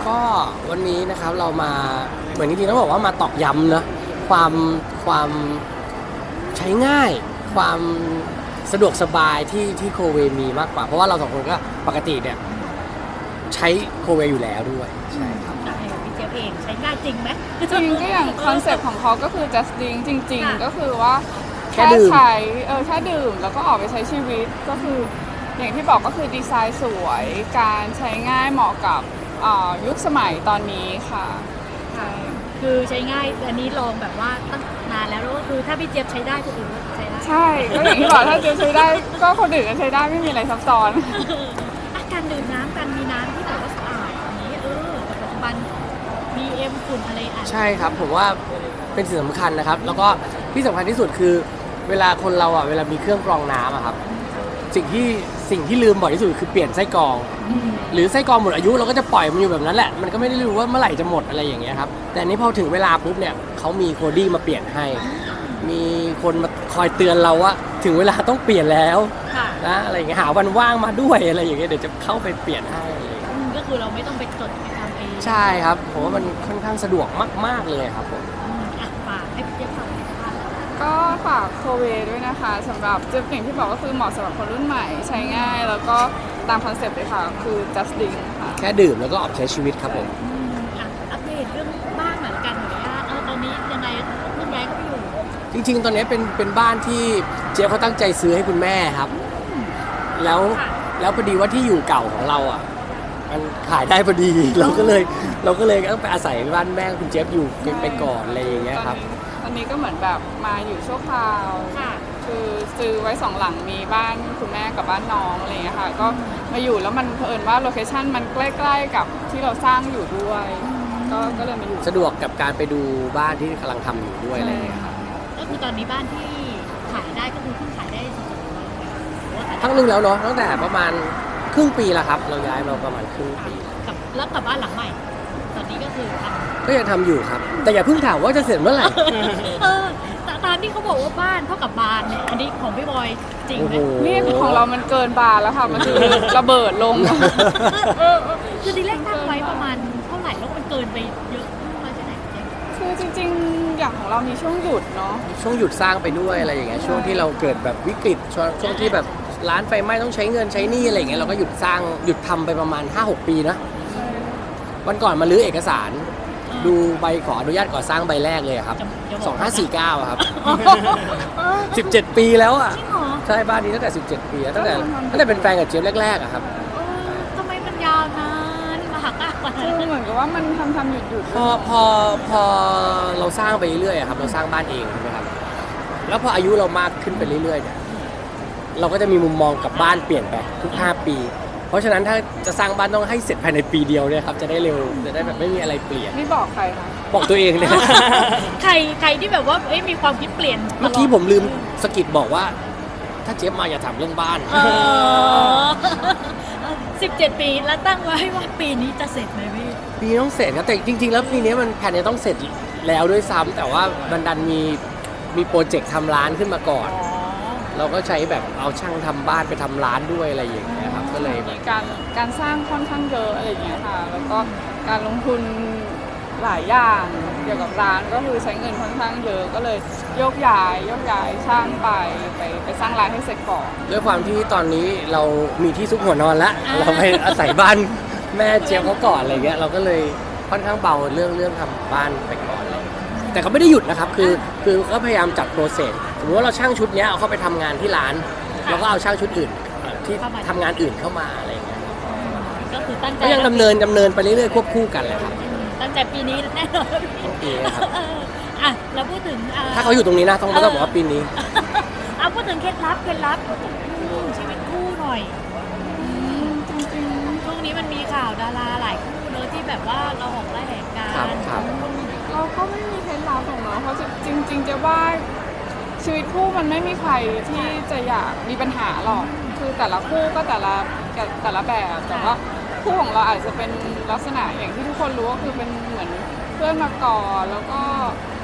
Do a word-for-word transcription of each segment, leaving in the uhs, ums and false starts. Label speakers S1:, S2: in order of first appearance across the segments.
S1: ก็วันนี้นะครับเรามาเหมือนจริงๆต้องบอกว่ามาตอกย้ำนะความความใช้ง่ายความสะดวกสบายที่ที่โคเวมีมากกว่าเพราะว่าเราสองคนก็ปกติเนี่ยใช้โคเวอยู่แล้วด้วยใช่ครับ
S2: ใช่พี่เจี๊ยบเองใช้ง่ายจริงไหม
S3: จริงก็อย่างคอนเซ็ปต์ของเขาก็คือ just drink จริง
S2: ค่ะ
S3: ๆ ก็คือว่า
S1: แค่
S3: แค่
S1: ดื่ม
S3: ใช้เออแค่ดื่มแล้วก็ออกไปใช้ชีวิตก็คืออย่างที่บอกก็คือดีไซน์สวยการใช้ง่ายเหมาะกับอ่ายุคสมัยตอนนี้ค่ะ
S2: ค่ะคือใช้ง่ายอันนี้ลองแบบว่าตั้งนานแล้วแล้วก็คือถ้าพี่เจี๊ยบใช้ได้คนอื่นก็ใช้ได้
S3: ใช่ก็อย่างที่บอกถ้าเจอใช้ได้ก็คนอื่นก็ใช้ได้ไม่มีอะไรซับซ้อน
S2: อ่ะการดื่มน้ำการมีน้ำที่แบบว่าสะอาดอย่างนี้เออแต่ปัจจุบันมีเอ็มฝุ่นอะไรอ่ะ
S1: ใช่ครับผมว่าเป็นสิ่งสำคัญนะครับ แล้วก็ที่สำคัญที่สุดคือเวลาคนเราอ่ะเวลามีเครื่องกรองน้ำอะครับสิ่งที่สิ่งที่ลืมบ่อยที่สุดคือเปลี่ยนไส้กรอง หรือไส้กรองหมดอายุเราก็จะปล่อยมันอยู่แบบนั้นแหละมันก็ไม่ได้รู้ว่าเมื่อไหร่จะหมดอะไรอย่างเงี้ยครับแต่อันนี้พอถึงเวลาปุ๊บเนี่ยเขามีโคดี้มาเปลี่ยนให้ มีคนมาคอยเตือนเราว่าถึงเวลาต้องเปลี่ยนแล้ว
S2: ค่ะ
S1: นะอะไรอย่างเงี้ยหาวันว่างมาด้วยอะไรอย่างเงี้ยเดี๋ยวจะเข้าไปเปลี่ยนให้อะไรอย่างเงี้ย
S2: อืมก็คือเราไม่ต้องไปจดไปทำเอง
S1: ใช่ครับผมว่ามันค่อนข้างสะดวกมากๆเลยครับผม
S2: อืมอ่ะฝากให้พี่เจี๊ยบฝากหน่อยค่ะ
S3: ก็ฝากโคเวด้วยนะคะสำหรับจุดอย่างที่บอกก็คือเหมาะสำหรับคนรุ่นใหม่ใช้ง่าย แล้วก็ตามคอนเซ็ปต์เลยค่ะคือ just drink ค่ะ
S1: แค่ดื่มแล้วก็ออกใช้ชีวิตครับผม
S2: อืมอ่ะอัปเดตเรื่องบ้านหน่อยละกันหน่อยว่าเออตอนนี้ยังไงเพิ่งย้ายเข้าไปอยู่
S1: จริงๆ ตอนนี้เป็นเป็นบ้านที่เจ๊เขาตั้งใจซื้อให้คุณแม่ครับ แล้ว
S2: ค่ะ
S1: แล้วพอดีว่าที่อยู่เก่าของเราอ่ะมันขายได้พอดี เราก็เลยเราก็เลยต้องไปอาศัยบ้านแม่คุณเจ๊อยู่ไปก่อนอะไรอย่างเงี้ยครับ
S3: ตอนนี้ก็เหมือนแบบมาอยู่ชั่วคราว
S2: ค่ะ
S3: คือซื้อไว้สองหลังมีบ้านคุณแม่กับบ้านน้องอะไรอย่างเงี้ยค่ะก็มาอยู่แล้วมันเผอิญว่าโลเคชั่นมันใกล้ๆกับที่เราสร้างอยู่ด้วย ก็ก็เลยมาอยู่
S1: สะดวกกับการไปดูบ้านที่กำลังทำอยู่ด้วยอะไรอย่างเงี้ยครับ
S2: ก็คือตอนนี้บ้านที่ขายได้ก็คือเพิ่งขายได้สดๆร้อนๆเลยหรือว่าขายได้
S1: ทั้งนึงแล้วเนาะตั้งแต่ประมาณครึ่งปีแล้วครับ เราย้ายมาประมาณครึ่งปี
S2: กับแล้วกับบ้านหลังใหม่ ตอนนี้ก็คือท
S1: ก็ยังทำอยู่ครับ แต่อย่าเพิ่งถามว่าจะเสร็จเมื่อไหร่
S2: ำเออแต่ตามที่เขาบอกว่าบ้านเท่ากับบานเนี่ยอันนี้ของพี่บอยจริง
S1: โอ้
S2: ไหม
S1: โห
S3: นี่ของเรามันเกินบานแล้วค่ะ มันคือระเบิดลง
S2: คือทีแรกตั้งไว้ประมาณเท่าไหร่แล้วมันเกินไปเยอะมากแค่ไหนเจ๊
S3: คือจริงๆ อย่างของเรามีช่วงหยุดเนาะ
S1: ช่วงหยุดสร้างไปด้วยอะไรอย่างเงี้ยช่วงที่เราเกิดแบบวิกฤตช่วงช่วงที่แบบร้านไฟไหม้ต้องใช้เงินใช้หนี้อะไรอย่างเงี้ยเราก็หยุดสร้างหยุดทำไปประมาณ ห้าหก ปีนะวันก่อนมาลื้อเอกสาร ดูใบขออนุญาตก่อสร้างใบแรกเลยอะครับ
S2: จะจะบ
S1: ส
S2: อ
S1: อก ง
S2: ว่
S1: ห้าสี่เก้าอะครับ สิบเจ็ด ปีแล้วอ่ะ
S2: จริงเหรอ
S1: ใช่บ้านนี้ตั้งแต่สิบเจ็ดปีอะตั้งแต่ตั้งแต่เป็นแฟนกับเจี๊ยบแรกๆอะครับ
S2: เออทำไมมันยาวนานมหากาพย์กว่า
S3: คือเหมือนกับว่ามันทำทำหยุดหยุด
S1: พอพอพอเราสร้างไปเรื่อยๆอะครับเราสร้างบ้านเองใช่ไหมครับแล้วพออายุเรามากขึ้นไปเรื่อยๆเนี่ยเราก็จะมีมุมมองกับบ้านเปลี่ยนไปทุกห้าปี เพราะฉะนั้นถ้าจะสร้างบ้านต้องให้เสร็จภายในปีเดียวเนี่ยครับจะได้เร็วจะได้แบบไม่มีอะไรเปลี่ยน
S3: นี่บอกใครคะ
S1: บอกตัวเองเนี่ย
S2: ใครใครที่แบบว่าเอ้ยมีความคิดเปลี่ยน
S1: เมื่อกี้ผมลืมสะกิดบอกว่า ถ้าเจี๊ยบมาอย่าถามเรื่องบ้าน
S2: เออสิบเจ็ดปีแล้วตั้งไว้ว่าปีนี้จะเสร็จไหมพี่
S1: ปีนี้ต้องเสร็จครับแต่จริง ๆ แล้วปีนี้มันแผนจะต้องเสร็จแล้วด้วยซ้ำแต่ว่าบันดันมีมีโปรเจกต์ทำร้านขึ้นมาก่อน
S2: อ๋อ
S1: เราก็ใช้แบบเอาช่างทำบ้านไปทำร้านด้วยอะไรอย่างเงี้ยครับก็เลยแบ
S3: มี
S1: บ
S3: การการสร้างค่อนข้างเยอะอะไรอย่างเงี้ยค่ะ แล้วก็การลงทุนหลายอย่างเกี่ยวกับร้านก็คือใช้เงินค่อนข้างเยอะก็เลยโยกย้ายโยกย้ายช่างไปไปไปสร้างร้านให้เสร็จก่อน
S1: ด้วยความที่ตอนนี้เรามีที่ซุกหัวนอนแล้วเราไปอาศัยบ้านแม่เจี๊ยบเขาก่อนอะไรเงี้ยเราก็เลยค่อนข้างเบาเรื่องเรื่องทำบ้านไปก่อนเลยแต่เขาไม่ได้หยุดนะครับคือคือก็พยายามจัดโปรเซสสมมติว่าเราช่างชุดเนี้ยเอาเข้าไปทำงานที่ร้านเราก็เอาช่างชุดอื่นเอ่อที่ทำงานอื่นเข้ามาอะไรเงี้ย
S2: ก็คือตั้งใจ
S1: ก็ยังดำเนินดำเนินไปเรื่อยๆควบคู่กันเลยครับ
S2: ตั้งใจปีนี้แน่นอนพี่
S1: ทั้งปีนะครับ
S2: เอออ่ะเราพูดถึงอ่
S1: ถ้าเขาอยู่ตรงนี้นะต้องต้องบอกว่าปีนี้
S2: เอาพูดถึงเคล็ดลับเคล็ดลับอืมชีวิตคู่หน่อยอืมจริงๆช่วงนี้มันมีข่าวดาราหลายคู่เนอะที่แบบว่าเราออกไล่แหกกั
S1: ครับ
S2: น
S1: ครับ
S3: เราก็ไม่มีเคล็ดลับของเราเพราะจริงๆจะว่าชีวิตคู่มันไม่มีใครที่จะอยากมีปัญหาหรอกคือแต่ละคู่ก็แต่ละแต่ละแบบแต่ว่าคู่ของเราอาจจะเป็นลักษณะอย่างที่ทุกคนรู้ก็คือเป็นเหมือนเพื่อนมาก่อนแล้วก็ส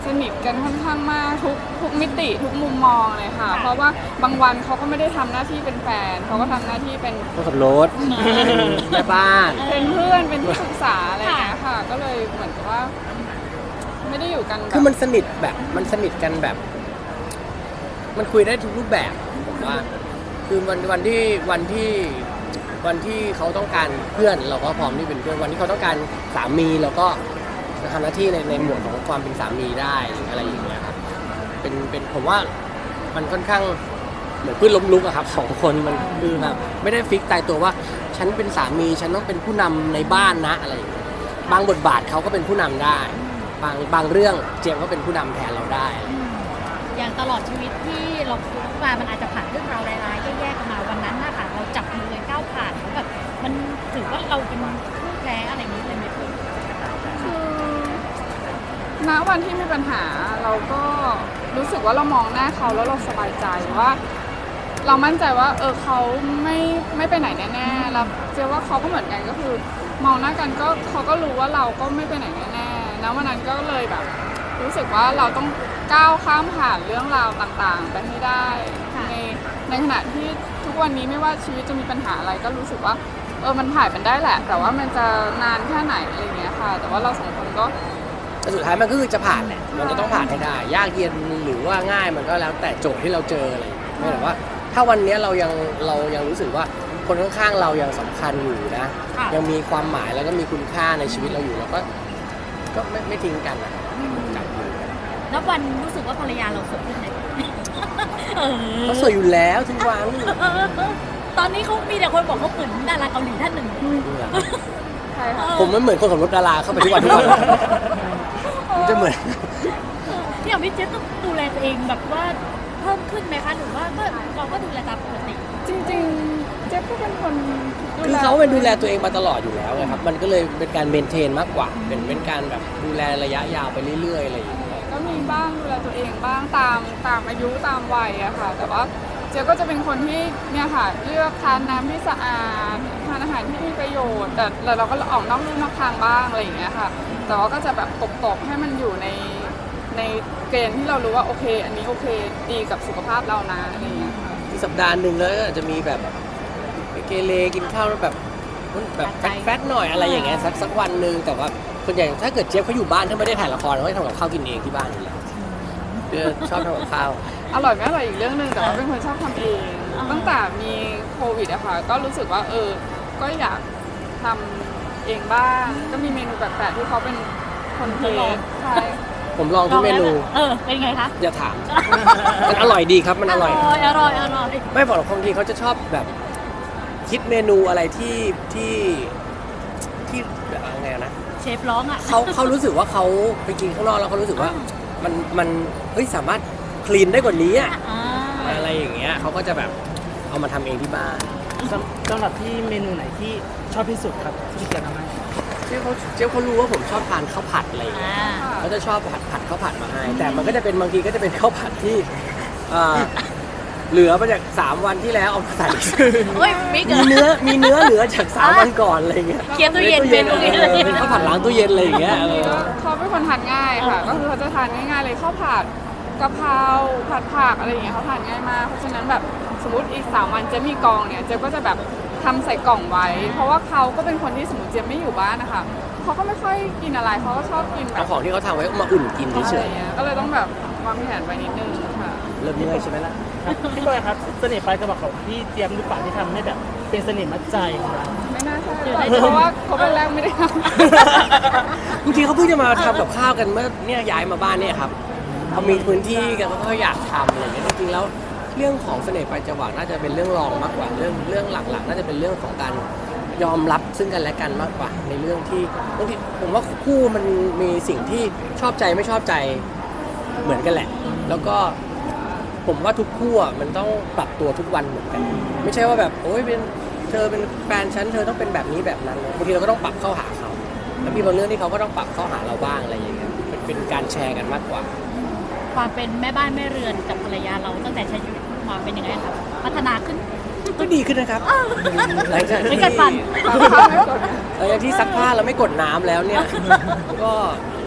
S3: สนิทกันค่อนข้างมากทุกทุกมิติทุกมุมมองเลยค่ะ เพราะว่าบางวันเขาก็ไม่ได้ทำหน้าที่เป็นแฟนเขาก็ทำหน้าที่เป็น
S1: คนขับรถแม่บ้าน
S3: เป็นเพื่อนเป็นที่ปรึกษาอะไรอย่างเงี้ยค่ะ ก็เลยเหมือนกับว่า ไม่ได้อยู่กันแบบ
S1: คือมันสนิทแบบมันสนิทกันแบบ มันคุยได้ทุกรูปแบบผมว่า คือวันวันที่วันที่วันที่เขาต้องการเพื่อนเราก็พร้อมที่เป็นเพื่อนวันที่เขาต้องการสามีเราก็จะทำหน้าที่ในในหมวดของความเป็นสามีได้หรืออะไรอย่างเงี้ยครับเป็นเป็นผมว่ามันค่อนข้างเหมือนพื้นล้มลุกอะครับสองคนมันคือแบบไม่ได้ฟิกตายตัวว่า ฉันเป็นสามีฉันต้องเป็นผู้นำในบ้านนะอะไรอย่างเงี้ยบางบทบาทเขาก็เป็นผู้นำได้ บางบางเรื่องเจมส์ก็เป็นผู้นำแทนเราได้
S2: อย่างตลอดชีวิตที่เราคุยมามันอาจจะผ่านเรื่องราวร้ายๆแย่ๆกันมาวันนั้นนะคะเราจับมือกันก้าวผ่านแล้วแบบมันถือว่าเราเป็นคู่แท้อะไรอย่างนี้เลยไหมพี่
S3: คือณวันที่มีปัญหาเราก็รู้สึกว่าเรามองหน้าเขาแล้วเราสบายใจว่า เรามั่นใจว่าเออเขาไม่ไม่ไปไหนแน่ๆแล้วเชื่อว่าเขาก็เหมือนกันก็คือ มองหน้ากันก็เขาก็รู้ว่าเราก็ไม่ไปไหนแน่ๆแล้ววันนั้นก็เลยแบบ รู้สึกว่าเราต้องก้าวข้ามผ่านเรื่องราวต่างๆไปให้ได้ในในขณะที่ทุกวันนี้ไม่ว่าชีวิตจะมีปัญหาอะไรก็รู้สึกว่าเออมันผ่านมันได้แหละ แต่ว่ามันจะนานแค่ไหนอะไรเงี้ยค่ะ แต่ว่าเราสองคนก็
S1: แต่สุดท้ายมันก็คือจะผ่านแหละมันจะต้องผ่านให้ได้ ยากเย็นหรือว่าง่ายมันก็แล้วแต่โจทย์ที่เราเจออะไรอย่างเงี้ยไม่แต่ว่า ถ้าวันนี้เรายังเรายังรู้สึกว่าคนข้างๆเรายังสำคัญอยู่นะ ยังมีความหมายแล้วก็มีคุณค่าในชีวิตเราอยู่แล้วก็ก็ไม่ไม่ทิ้งกันนะจับมือกัน
S2: นับวันรู้สึกว่าภรรยาเราสวยขึ้นไหมเออ
S1: เขาสวยอยู่แล้วทุกวัน
S2: ตอนนี้เขามีแต่คนบอกเขาเหมือนดาราเกาหลีท่านหนึ่ง
S3: ใช่ค่ะ
S1: ผมไม่เหมือนคนขับรถดาราเข้าไปทุกวันทุกวันมันจะเหมือน
S2: พี่อย่างพี่เจ๊ต้องดูแลตัวเองแบบว่าเพิ่มขึ้นไหมคะหรือว่าก็เราก็ดูแลตามปกติ
S3: จริงๆเจ๊ก็เป็นคนดู
S1: คือ
S3: แล
S1: เขาเป็นดูแลตัวเองมาตลอดอยู่แล้วไงครับมันก็เลยเป็นการเมนเทนมากกว่า เป็นเป็นการแบบดูแลระยะยาวไปเรื่อยๆอะไรอย่างเงี้ย
S3: ก็มีบ้างดูแลตัวเองบ้างตามตามอายุตามวัยอะค่ะ แต่ว่าเจ๊ก็จะเป็นคนที่เนี่ยค่ะเลือกทานน้ำที่สะอาดทานอาหารที่มีประโยชน์ แต่แต่เราก็ออกนอกลู่นอกทางบ้างอะไรอย่างเงี้ยค่ะ แต่ว่าก็จะแบบตบๆให้มันอยู่ในในเกณฑ์ที่เรารู้ว่าโอเค อันนี้โอเคดีกับสุขภาพเรานะอะไรอย่างเงี้ยค่ะ
S1: ที่สัปดาห์หนึ่งแล้วก็อาจจะมีแบบไปเกเรกินข้าวแล้วแบบแบบแฟตๆหน่อยอะไรอย่างเงี้ยสักสักวันหนึ่งแต่ว่าส่วนใหญ่ถ้าเกิดเจี๊ยบเขาอยู่บ้านถ้าไม่ได้ถ่ายละครเขาจะทำกับข้าวกินเองที่บ้านอยู่แล้วเออชอบทำกับข้าว
S3: อร่อยไม่อร่อยอีกเรื่องหนึ่งแต่ว่าเป็นคนชอบทำเอง ตั้งแต่มีโควิดอะค่ะก็รู้สึกว่าเออก็อยากทำเองบ้างก็มีเมนูแปลกๆที่เขาเป็นคนเทสใช่
S1: ผมลองทุกเมนู
S2: เออเป็นไงคะ
S1: อย่าถาม มันอร่อยดีครับมันอร่อย
S2: อร่อยอร่อย
S1: ไม่บอกหรอกบางทีเขาจะชอบแบบคิดเมนูอะไรที่ที่ที่แบบไงนะ
S2: เชฟร้องอ่ะ
S1: เขาเขารู้สึกว่าเขาไปกินข้างนอกแล้วเขารู้สึกว่ามันมันเฮ้ยสามารถคลีนได้กว่านี้อะ
S2: อ่า
S1: อะไรอย่างเงี้ยเขาก็จะแบบเอามาทำเองที่บ้าน
S4: สำสำหรับที่เมนูไหนที่ชอบที่สุดครับที่จะทำให้
S1: เจ๊เขาเจ๊เขารู้ว่าผมชอบทานข้าวผัดอะไรอย่างเงี้ย
S2: อ่า
S1: เขาจะชอบผัดผัดข้าวผัดมาให้แต่มันก็จะเป็นบางทีก็จะเป็นข้าวผัดที่อ่าเหลือมาจากสามวันที่แล้วเอามาใส่
S2: โอ้ยไม่เกิ
S1: มี
S2: น
S1: เนื้อมีเนื้อเหลือจากสามวันก่อนอะไรเงี้ย
S2: เคลียร์ตู้เย็น
S1: ตู้
S2: เป็นตู้เย็น
S1: เออเป็นข้าวผัดล้างตู้เย็นอะไรอย่างเงี้ยเออ
S3: เขาเป็นคนทานง่ายค่ะ ก็คือเขาจะทานง่ายๆเลยข้าวผัดกะเพราผัดผักอะไรอย่างเงี้ยเขาทานง่ายมากเพราะฉะนั้นแบบสมมติอีกสามวันเจะมีกองเนี่ยเจ๊ก็จะแบบทำใส่กล่องไว้ เพราะว่าเขาก็เป็นคนที่สมมติเจ๊ไม่อยู่บ้านนะคะเขาก็ไม่ค่อยกินอะไรเขาก็ชอบกินแบ
S1: เอา
S3: บ
S1: ของที่เขาทำไว้มาอุ่นกิน
S3: อะ
S1: เฉ
S3: ไร
S1: ย
S3: เงี้ยก็เลยต้องแบบวางแผนไว้นิดนึงค่ะ
S1: ๆเริ่มเมื่อยใช่ไหมล่ะ
S4: ครับพี่บอยครับเสน่ห์ปลายกระบอกของพี่เตรียมหรือเปล่าที่ทำให้แบบเป็นเสน่ห์มัดใจของเรา
S3: ไม่น่าใช่เพราะว่าเขาเป็นแรกไม่ได้ท
S1: จริงๆเขาเพิ่งจะมาทำกับข้าวกันเมื่อเนี่ยย้ายมาบ้านเนี่ยครับเขามีพื้นที่กันเขาก็อยากทำอะไรอย่างเงี้ยจริงๆแล้วเรื่องของเสน่ห์ปลายจวักน่าจะเป็นเรื่องรองมากกว่าเรื่องเรื่องหลักๆ น่าจะเป็นเรื่องของการยอมรับซึ่งกันและกันมากกว่า ในเรื่องที่บางทีผมว่าคู่มันมีสิ่งที่ชอบใจไม่ชอบใจเหมือนกันแหละ แล้วก็ผมว่าทุกคู่อ่ะมันต้องปรับตัวทุกวันเหมือนกัน ไม่ใช่ว่าแบบโอ้ยเป็นเธอเป็นแฟนฉันเธอต้องเป็นแบบนี้แบบนั้นบางทีเราก็ต้องปรับเข้าหาเขาแล้วมีบางเรื่องที่เขาก็ต้องปรับเข้าหาเราบ้างอะไรอย่างเงี้ยเป็นเป็นการแชร์กันมากกว่า
S2: ความเป็นแม่บ้านแม่เรือนกับภรรยาเราตั้งแต่ใช้ชีวิตมาเป็นยังไงครับพัฒนาขึ้น
S1: ก็ดีขึ้นนะครับหลังจาก
S2: ไม่
S1: ที่
S2: กัดฟัน
S3: ำ
S1: หลังจากที่ซักผ้าแล้วไม่กดน้ำแล้วเนี่ย ก็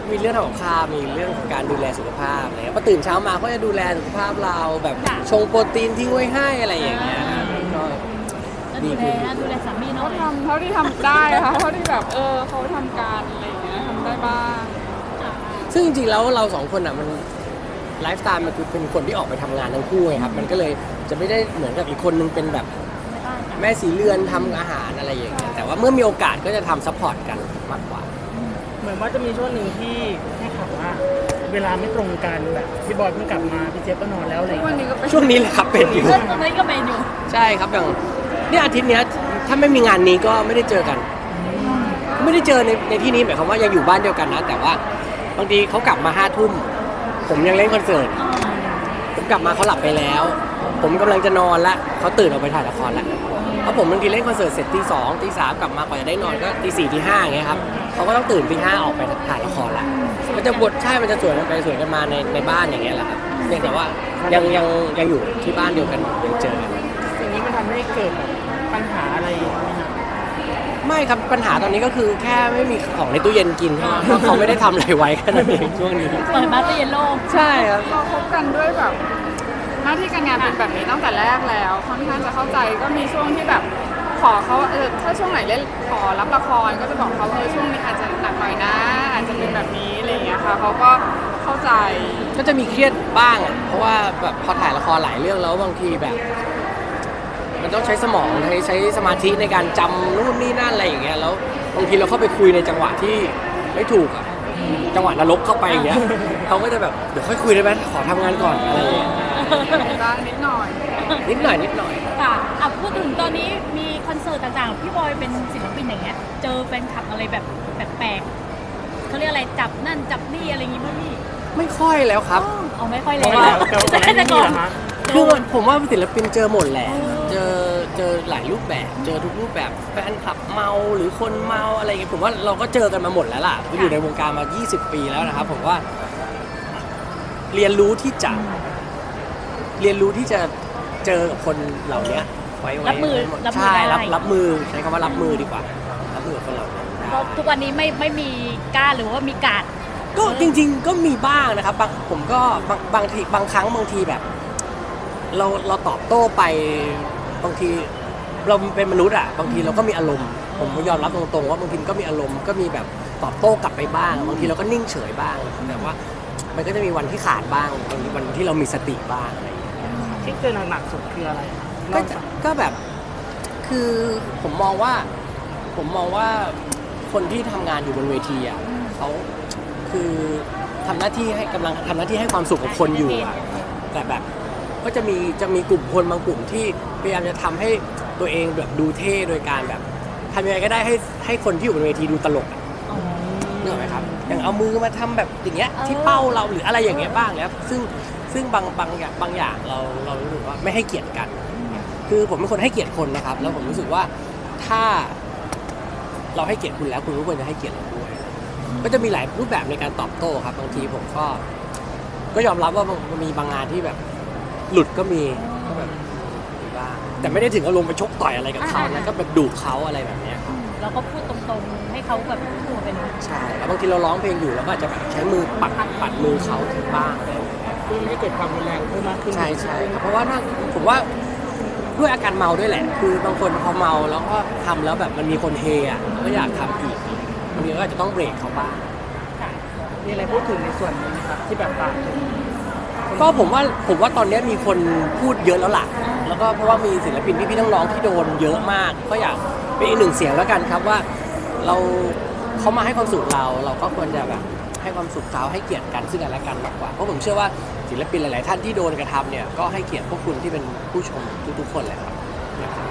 S1: มีเรื่องทำกับข้าวมีเรื่องของการดูแลสุขภาพอะไรเงี้ยพอตื่นเช้ามาเขาจะดูแลสุขภาพเราแบบชงโปรตีนทิ้งไว้ให้อะไรอย่างเงี้ยครับก็
S2: แล้วดูแลนะดูแลสามี
S3: เขา
S2: เนาะ
S3: ทำเท่าที่ทำได้ค่ะเท่าที่แบบเออเขาทำการอะไรอย่างเงี้ยทำได้บ้าง
S1: ซึ่งจริงๆแล้วเราสองคนอ่ะมันไลฟ์สไตล์มันคือเป็นคนที่ออกไปทำงานทั้งคู่ไงครับมันก็เลยจะไม่ได้เหมือนกับอีกคนนึงเป็นแบบ
S2: ไม่บ้านจ้ะ
S1: แม่สีเรือนทำอาหารอะไรอย่างเงี้ยแต่ว่าเมื่อมีโอกาสก็จะทำซัพพอร์ตกันมากกว่า
S4: เหมือนว่าจะมีช่วงหนึ่งที่ให้ข่าวว่า เวลาไม่ตรงกันแบบพี่บอยเพิ่งกลับมาพี่เจี๊ยบก็นอนแล้วอะไรอย่าง
S3: วัน
S4: เงี้ย
S3: นี้ก็เป็น
S1: ช่วงนี้แหละครับเป็นอยู่
S2: เรื่องตรงนี้ก็เป็นอยู่
S1: ใช่ครับอย่างเนี่ยอาทิตย์เนี้ยถ้าไม่มีงานนี้ก็ไม่ได้เจอกัน ไม่ได้เจอในในที่นี้หมายความว่ายังอยู่บ้านเดียวกันนะ แต่ว่าบางทีเขากลับมาห้าทุ่มผมยังเล่นคอนเสิร์ตผมกลับมาเขาหลับไปแล้ว ผมกำลังจะนอนละเขาตื่นออกไปถ่ายละครละเพราะผมบางทีเล่นคอนเสิร์ตเสร็จตีสองตีสามกลับมากว่าจะได้นอนก็ตีสี่ตีห้าอย่างเงี้ยครับเขาก็ต้องตื่นตีห้าออกไปถ่ายละครละมันจะบทใช่มันจะสวนกันไปสวนกันมาในในบ้านอย่างเงี้ยแหละครับเพียงแต่ว่ายังยังยังอยู่ที่บ้านเดียวกันยังเจอกัน
S4: สิ่งนี้มันทำให้เกิดแบบปัญหาอะไรไหมครับ
S1: ไม่ครับปัญหาตอนนี้ก็คือแค่ไม่มีของในตู้เย็นกินเท่านั้นเพราะเขาไม่ได้ทำอะไรไว้แค่นั้นเองช่วงนี้
S2: เปิดมาตู้เย็นโล่ง
S1: ใช่ครับ
S3: เราคบกันด้วยแบบหน้าที่การงานเป็นแบบนี้ตั้งแต่แรกแล้วค่อนข้างจะเข้าใจก็มีช่วงที่แบบขอเขาเออถ้าช่วงไหนเล่นขอรับละครก็จะบอกเขาเออช่วงนี้อาจจะหนักหน่อยนะ อาจจะเป็นแบบนี้อะไรอย่างเงี้ยค่ะเขาก็เข้าใจ
S1: ก็จะมีเครียดบ้างอ่ะเพราะว่าแบบพอถ่ายละครหลายเรื่องแล้วบางทีแบบ มันต้องใช้สมองใช้ใช้สมาธิในการจำนู่นนี่นั่นอะไรอย่างเงี้ยแล้วบางทีเราเข้าไปคุยในจังหวะที่ไม่ถูกอ่ะจังหวะนรกเข้าไปอย่างเงี้ยเขาก็จะแบบเดี๋ยวค่อยคุยได้ไหมขอทำงานก่อนอะไรอย่างเงี้ย
S3: บ้างนิดหน่อย
S1: นิดหน่อยนิดหน่อย
S2: ค่ะอ่ะพูดถึงตอนนี้มีคอนเสิร์ตต่างๆ พี่บอยเป็นศิลปินอย่างเงี้ย เจอแฟนคลับอะไรแบบแปลกๆเขาเรียกอะไรจับนั่นจับนี่อะไรอย่างงี้มั้ยพี่
S1: ไม่ค่อยแล้วครับ
S2: เอาไม่ค่อยเล
S4: เพ
S2: ย
S4: ราะว่าแต่ว่าก่อนหน้านี้มีเหรอฮะ
S1: คือมันผมว่าศิลปินเจอหมดแหละ เจอเจอหลายรูปแบบ เจอทุกรูปแบบแฟนคลับเมาหรือคนเมาอะไรอย่างเงี้ยผมว่าเราก็เจอกันมาหมดแล้วล่ะอยู่ในวงการมายี่สิบปีแล้วนะครับผมว่า เรียนรู้ที่จะ เรียนรู้ที่จะเจอคนเหล่านี้ไว้ไว้
S2: รับมือ
S1: ไว้หด
S2: รับมือ
S1: ใช่
S2: ได้
S1: รับรับมือใช้คำว่ารับมือดีกว่า รับมือกับคนเหล่านี้ได้
S2: เพราะทุกวันนี้ไม่ไม่มีกล้าหรือว่ามีการด
S1: ก็จริง ๆ ก็มีบ้างนะครับบางผมก็บางบางทีบางครั้งบางทีแบบ เราเราตอบโต้ไปบางทีเราเป็นมนุษย์อ่ะบางทีเราก็มีอารมณ์ ผมยอมรับตรงๆว่าบางทีก็มีอารมณ์ก็มีแบบตอบโต้กลับไปบ้าง บางทีเราก็นิ่งเฉยบ้างแต่ว่ามันก็จะมีวันที่ขาดบ้างบางทีวันที่เรามีสติบ้างอะไรอย่างเงี้ย
S4: ที่เจอหนักๆสุดคืออะไรครับ
S1: ก็
S4: เล่าให้
S1: จะ
S4: ฟัง
S1: ก็แบบคือผมมองว่าผมมองว่าคนที่ทำงานอยู่บนเวทีอ่ะเขาคือทำหน้าที่ให้กำลังทำหน้าที่ให้ความสุขกับคนอยู่อ่ะแต่แบบก็จะมีจะมีกลุ่มคนบางกลุ่มที่พยายามจะทำให้ตัวเองแบบดูเท่โดยการแบบทำยังไงก็ได้ให้ให้คนที่อยู่บนเวทีดูตลกอะนึกออกไหมครับอย่างเอามือมาทำแบบอย่างเงี้ยที่เป้าเราหรืออะไรอย่างเงี้ยบ้างแล้วซึ่งซึ่งบางบางอย่างบางอย่างเราเรารู้สึกว่าไม่ให้เกียรติกัน คือผมเป็นคนให้เกียรติคนนะครับ แล้วผมรู้สึกว่าถ้าเราให้เกียรติคุณแล้วคุณก็ควรจะให้เกียรติเราด้วยก็จะมีหลายรูปแบบในการตอบโต้ครับบางทีผมก็ ก็ยอมรับว่ามันมีบางงานที่แบบ หลุดก็มีก็แบบมีบ้างแต่ไม่ได้ถึงอารมณ์ไปชกต่อยอะไรกับเขานะก็แบบดุเขาอะไรแบบเนี้ยครับ
S2: เราก็พูดตรงๆให้เขาแบบพูดเป็น
S1: ใช่แล้วบางทีเราร้องเพลงอยู่แล้วก็อาจจะแบบใช้มือปัดปัดมือเขาบ้างอะไรอย่างเงี้ย
S4: เพื่อไม่ให้เกิดความรุนแรงเพิ่มมากขึ้น
S1: ใช่ใช่ครับเพราะว่าถ้าผมว่าด้วยอาการเมาด้วยแหละ คือบางคนพอเมาแล้วก็ทำแล้วแบบมันมีคนเฮอ่ะก็อยากทำอีกบางทีก็อาจจะต้องเบรกเขาบ้าง
S4: มีอะไรพูดถึงในส่วนนี้ไหมครับที่แบบฝากถึง
S1: ก็ผมว่าผมว่าตอนนี้มีคนพูดเยอะแล้วล่ะ แล้วก็เพราะว่ามีศิลปินพี่ๆน้องๆที่โดนเยอะมาก ก็อยากเป็นอีกหนึ่งเสียงแล้วกันครับว่าเราเขามาให้ความสุขเรา เราก็ควรจะแบบให้ความสุขเขาให้เกียรติกันซึ่งกันและกันมากกว่าเพราะผมเชื่อว่าศิลปินหลายๆท่านที่โดนกระทำเนี่ยก็ให้เกียรติพวกคุณที่เป็นผู้ชมทุกๆคนเลยครับนะครับ